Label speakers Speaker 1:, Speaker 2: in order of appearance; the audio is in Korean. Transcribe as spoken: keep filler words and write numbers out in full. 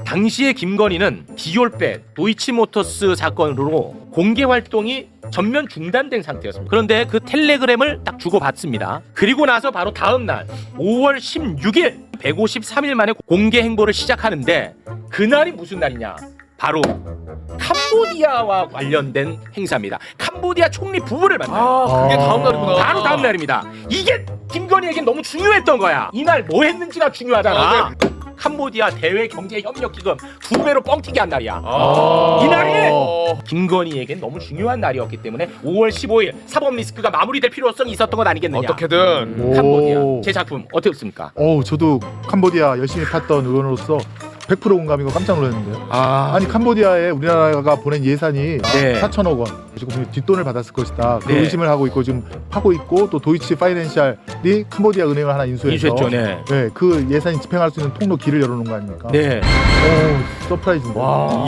Speaker 1: 당시에 김건희는 디올백, 도이치모터스 사건으로 공개 활동이 전면 중단된 상태였습니다. 그런데 그 텔레그램을 딱 주고받습니다. 그리고 나서 바로 다음 날 오월 십육일 백오십삼 일 만에 공개 행보를 시작하는데 그날이 무슨 날이냐? 바로 캄보디아와 관련된 행사입니다. 캄보디아 총리 부부를 만나요.
Speaker 2: 아, 그게 다음 날이구나.
Speaker 1: 바로 다음 날입니다. 이게 김건희에겐 너무 중요했던 거야. 이날 뭐 했는지가 중요하잖아.
Speaker 2: 아,
Speaker 1: 캄보디아 대외 경제 협력 기금 두 배로 뻥튀기 한 날이야.
Speaker 2: 아.
Speaker 1: 이날이 김건희에겐 너무 중요한 날이었기 때문에 오월 십오일 사법 리스크가 마무리될 필요성이 있었던 것 아니겠느냐.
Speaker 2: 어떻게든
Speaker 3: 오.
Speaker 1: 캄보디아 제 작품 어떻습니까?
Speaker 3: 어, 저도 캄보디아 열심히 팠던 의원으로서 백 퍼센트 공감이고 깜짝 놀랐는데요.
Speaker 1: 아,
Speaker 3: 아니 캄보디아에 우리나라가 보낸 예산이
Speaker 1: 네.
Speaker 3: 사천억 원 지금 뒷돈을 받았을 것이다. 그
Speaker 1: 네.
Speaker 3: 의심을 하고 있고 지금 하고 있고 또 도이치 파이낸셜이 캄보디아 은행을 하나 인수해서
Speaker 1: 인수했죠, 네.
Speaker 3: 네, 그 예산이 집행할 수 있는 통로 길을 열어놓은 거 아닙니까?
Speaker 1: 네.
Speaker 3: 오, 서프라이즈인데.
Speaker 1: 와.